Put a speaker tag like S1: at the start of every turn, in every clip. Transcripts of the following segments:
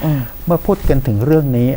S1: เมื่อพูดกันถึงเรื่องนี้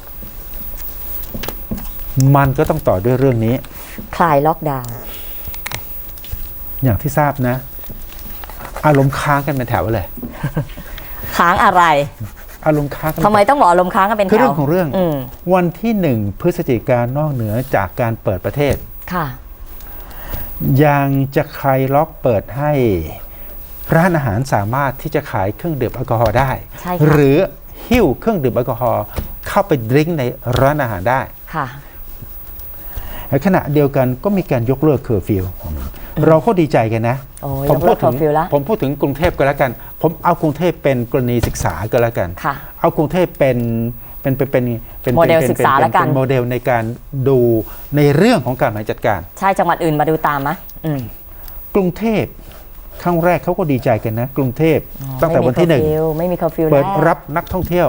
S1: มันก็ต้องต่อด้วยเรื่องนี้
S2: คลายล็อกดาวน์
S1: อย่างที่ทราบนะอารมณ์ค้างกันเป็นแถวเลย
S2: ค้างอะไร
S1: อารมณ์ค้างกัน
S2: ทำไมต้องบอกอารมณ์ค้างกันเป็นแถว
S1: คือเรื่องของเรื่องวันที่1 พฤศจิกายนนอกเหนือจากการเปิดประเทศ
S2: ค่ะ
S1: ยังจะคลายล็อกเปิดให้ร้านอาหารสามารถที่จะขายเครื่องดื่มแอลกอฮอล์ได้หรือหิ้วเครื่องดื่มแอลกอฮอล์เข้าไปดื่มในร้านอาหารได้
S2: ค่ะ
S1: ในขณะเดียวกันก็มีการยกเลิกเคอร์ฟิวเราก็ดีใจกันนะผมพูดถึงกรุงเทพก็แล้วกันผมเอากรุงเทพเป็นกรณีศึกษาก็แล้วกันเอากรุงเทพเป็น
S2: โมเดลศึกษาแล้วกัน
S1: เป็นโมเดลในการดูในเรื่องของการบริหารจัดการ
S2: ใช่จังหวัดอื่นมาดูตามไหม
S1: กรุงเทพครั้งแรกเขาก็ดีใจกันนะกรุงเทพตั้งแต่วันที่1
S2: ไม่มีเคอร์ฟิว
S1: เปิดรับนักท่องเที่ยว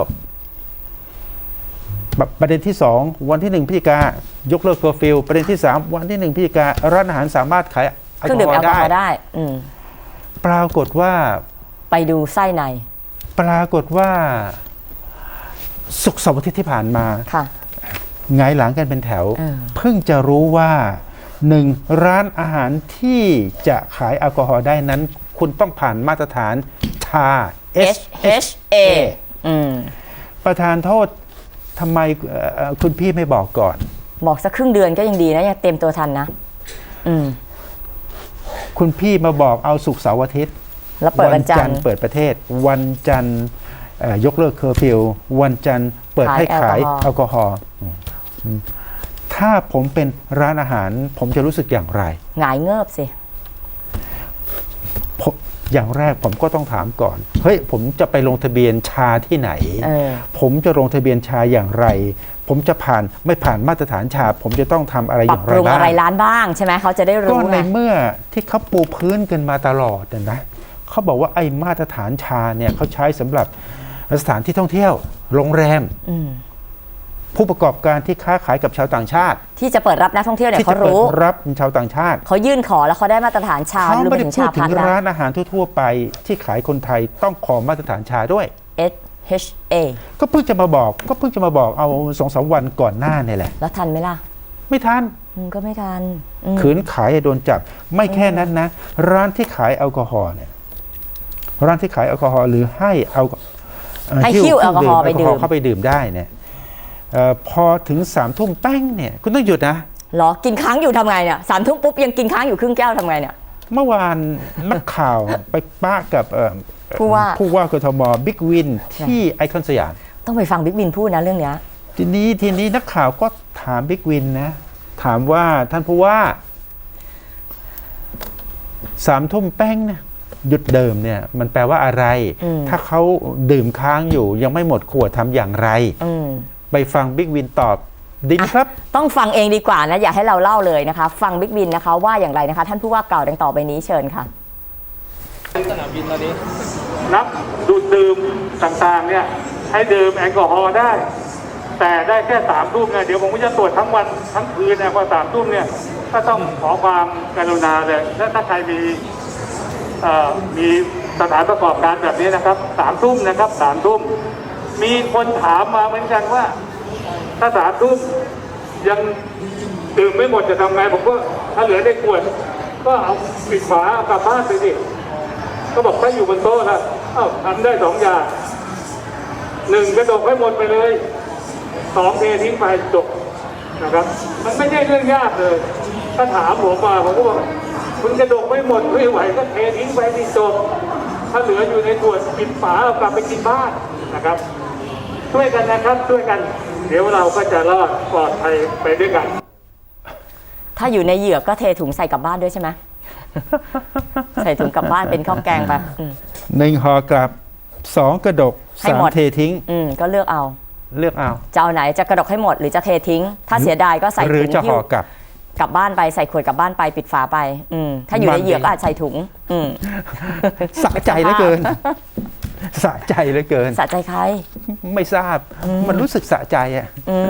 S1: ประเด็นที่2วันที่1 พฤศจิกายกเลิกเคอร์ฟิวประเด็นที่3วันที่1 พฤศจิการ้านอาหารสามารถขาย
S2: เครื่องดื่มแอลกอฮอล์ได้
S1: ปรากฏว่า
S2: ไปดูไส้ใน
S1: ปรากฏว่าศุกร์เสาร์อาทิตย์ที่ผ่านมาไงหลังกันเป็นแถวเพิ่งจะรู้ว่า1ร้านอาหารที่จะขายแอลกอฮอล์ได้นั้นคุณต้องผ่านมาตรฐานชา
S2: SHA
S1: ประธานโทษทำไมคุณพี่ไม่บอกก่อน
S2: บอกสักครึ่งเดือนก็ยังดีนะยังเต็มตัวทันนะ
S1: คุณพี่มาบอกเอาศุกร์เสาร์อาทิตย์
S2: แล้วเปิดวันจันทร์
S1: เปิดประเทศวันจันทร์ยกเลิกเคอร์ฟิววันจันทร์เปิดให้ขายแอลกอฮอล์ถ้าผมเป็นร้านอาหารผมจะรู้สึกอย่างไร
S2: หงายเงิบสิ
S1: อย่างแรกผมก็ต้องถามก่อนเฮ้ยผมจะไปลงทะเบียนชาที่ไหนผมจะลงทะเบียนชาอย่างไรผมจะไม่ผ่านมาตรฐานชาผมจะต้องทำอะไรอย่างไรบ้าง
S2: ปรับปรุงอะไรร้านบ้างใช่ไหมเขาจะได้รู้
S1: ก็ในเมื่อที่เขาปูพื้นกันมาตลอดนะเขาบอกว่าไอ้มาตรฐานชาเนี่ยเขาใช้สำหรับสถานที่ท่องเที่ยวโรงแรมผู้ประกอบการที่ค้าขายกับชาวต่างชาติ
S2: ที่จะเปิดรับนักท่องเที่ยวเนี่ยเขารู้
S1: รับชาวต่างชาติ
S2: เขายื่นขอแล้วเขาได้มาตรฐานชา
S1: เขาไม่ได้พูดถึงร้านอาหารทั่วๆไปที่ขายคนไทยต้องขอมาตรฐานชาด้วย
S2: SHA
S1: ก็เพิ่งจะมาบอกเอา 2-3 วันก่อนหน้านี่แหละ
S2: แล้วทันไหมล่ะ
S1: ไม่ทัน
S2: ก็ไม่ทัน
S1: ขืนขายโดนจับไม่แค่นั้นนะร้านที่ขายแอลกอฮอล์เนี่ยร้านที่ขายแอลกอฮอล์หรือให้
S2: หิ้วแอลกอฮอล์ไปดื่ม
S1: เข้าไปดื่มได้เนี่ยพอถึง3 ทุ่มแป้งเนี่ยคุณต้องหยุดนะ
S2: หรอกินค้างอยู่ทำไงเนี่ย3 ทุ่มปุ๊บยังกินค้างอยู่ครึ่งแก้วทำไงเนี่ย
S1: เมื่อวานนักข่าวไปป้ากับผู้ว่ากทมบิ๊กวินที่ไอคอนสยาม
S2: ต้องไปฟังบิ๊กวินพูดนะเรื่องนี้
S1: ทีนี้นักข่าวก็ถามบิ๊กวินนะถามว่าท่านผู้ว่า3 ทุ่มแป้งเนี่ยหยุดเดิมเนี่ยมันแปลว่าอะไรถ้าเขาดื่มค้างอยู่ยังไม่หมดขวดทำอย่างไรไปฟังบิ๊กวินตอบดีครับ
S2: ต้องฟังเองดีกว่านะอย่าให้เราเล่าเลยนะคะฟังบิ๊กวินนะคะว่าอย่างไรนะคะท่านผู้ว่ากล่าวดังต่อไปนี้เชิญค่ะ
S3: สนามบินตอนนี้นับดูดดื่มต่างๆเนี่ยให้ดื่มแอลกอฮอล์ได้แต่ได้แค่3 ทุ่มนะเดี๋ยวผมก็จะตรวจทั้งวันทั้งคืนนะพอ3 ทุ่มเนี่ยก็ต้องขอความกรุณาเลยและถ้าใครมีสถานประกอบการแบบนี้นะครับ3 ทุ่มนะครับ3 ทุ่มมีคนถามมาเหมือนกันว่าถ้า3 ทุ่มยังดื่มไม่หมดจะทำไงผมก็ถ้าเหลือได้ขวดก็เอาปิดฝากลับบ้านไปสิก็บอกถ้าอยู่บนโต๊ะนะทำได้2 อย่าง1กระดกให้หมดไปเลย2เททิ้งไปจบนะครับมันไม่ใช่เรื่องยากเลยถ้าถามผมมาผมก็บอกคุณกระดกไม่หมดไม่ไหวก็เททิ้งไปที่จบถ้าเหลืออยู่ในขวดปิดฝาเอากลับไปกินบ้านนะครับช่วยกันนะครับช่วยกันเดี๋ยวเราก็จะรอดปลอดภัยไปด้วยกัน
S2: ถ้าอยู่ในเหยือกก็เทถุงใส่กลับบ้านด้วยใช่ไหมใส่ถุงกลับบ้านเป็นข้าวแกงไป
S1: 1 ห่อกลับ2 กระดก3 เททิ้ง
S2: ก็เลือกเอาจะเอาไหนจะกระดกให้หมดหรือจะเททิ้งถ้าเสียดายก็ใส่ถุงหรือ
S1: จะห่อก
S2: ลับบ้านไปใส่ขวดกลับบ้านไปปิดฝาไปถ้าอยู่ในเหยือกก็อาจใส่ถุง
S1: สะใจเหลือเกินสะใจเหลือเกิน
S2: สะใจใคร
S1: ไม่ทราบมันรู้สึกสะใจอ่ะ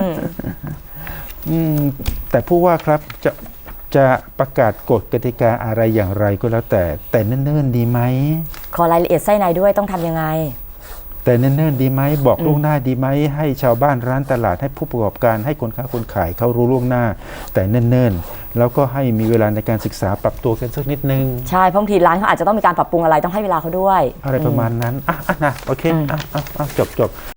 S1: แต่ผู้ว่าครับจะประกาศกฎกติกาอะไรอย่างไรก็แล้วแต่เนิ่นๆดีไหม
S2: ขอรายละเอียดไส้ในด้วยต้องทำยังไง
S1: แต่เนิ่นๆดีไหมบอกล่วงหน้าดีไหมให้ชาวบ้านร้านตลาดให้ผู้ประกอบการให้คนค้าคนขายเขารู้ล่วงหน้า แต่เนิ่นๆแล้วก็ให้มีเวลาในการศึกษาปรับตัวกันสักนิดนึง
S2: ใช่บางทีร้านเขาอาจจะต้องมีการปรับปรุงอะไรต้องให้เวลาเขาด้วย
S1: อะไรประมาณนั้นนะโอเคจบ